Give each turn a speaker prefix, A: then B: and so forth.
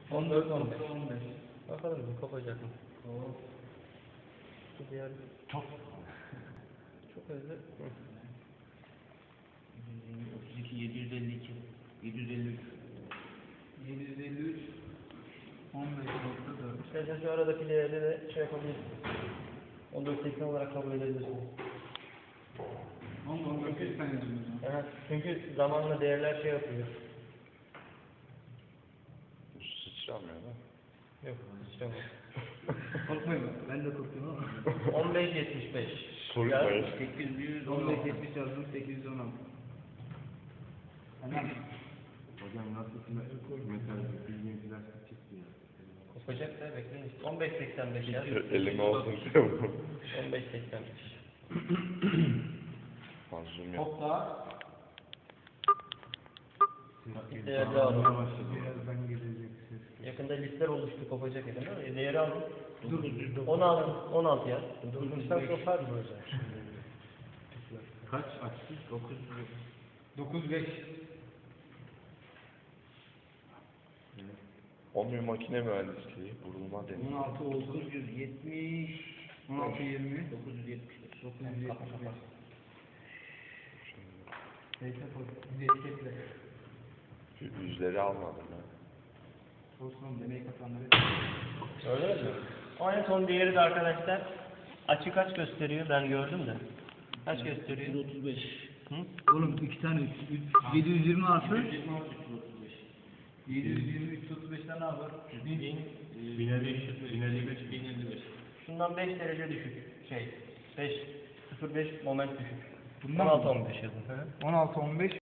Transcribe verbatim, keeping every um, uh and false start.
A: on dört on beş. Bakalım bir kopacak mı?
B: Oo.
A: Bu diğer
B: Çok.
A: çok hızlı. Hı.
B: otuz iki, yedi yüz elli iki, yedi yüz elli üç. yedi yüz elli üç, on beş nokta dört.
A: İstersen şu aradaki değeri de şey yapabilirsin. on dört seksen olarak kabul edebilirsin.
B: on dört seksen yazıyoruz.
A: Evet, çünkü zamanla değerler şey yapıyor.
C: Sıçramıyor da.
A: Yok, sıçramıyor.
B: Korkmayın, ben de korkuyorum ama.
A: on beş yetmiş beş.
C: Korkmayın.
B: sekiz yüz on beş yetmiş yazdım, sekiz yüz on altı. Hemen.
C: Hocam nasıl mesela bildiğin plastik çıktı ya.
A: Kopacak da bekleyin işte. on beş seksen beş yaz.
C: Elime olsun.
A: on beş seksen beş.
C: Mazlum yok.
B: Hop daha.
A: Değerli aldım.
B: Birazdan gelecek ses.
A: Yakında listeler oluştu, kopacak edin ama değeri aldım.
B: Dur.
A: on altı, on altı yaz. Sen kopar mı hocam?
C: Kaç açtı? dokuz.
B: dokuz beş.
C: on bir makine mühendisliği, vurulma
B: on
C: deniyor.
B: altı dokuz yüz yetmiş. on altı yirmi. dokuz yüz yetmiş beş. dokuz yüz yetmiş beş. Neyse koy. Destekle.
C: Yüzleri almadım ben.
B: Olsun demeyi katanları.
A: Öyle mi? O en son değeri de arkadaşlar açı kaç gösteriyor? Ben gördüm de. Kaç gösteriyor?
B: yüz otuz beş.
A: Hı?
B: Oğlum iki tane üç, üç, yedi yüz yirmi artı. yedi yüz yirmi artı üç yüz otuz beş. yedi yüz yirmi üç yüz otuz beşten ne yapar? bin elli beş. bin elli beş.
A: Şundan beş derece düşük. Şey, beş, sıfır beş moment düşük.
B: Bundan
A: on altı on beş yazın.
B: on altı on beş.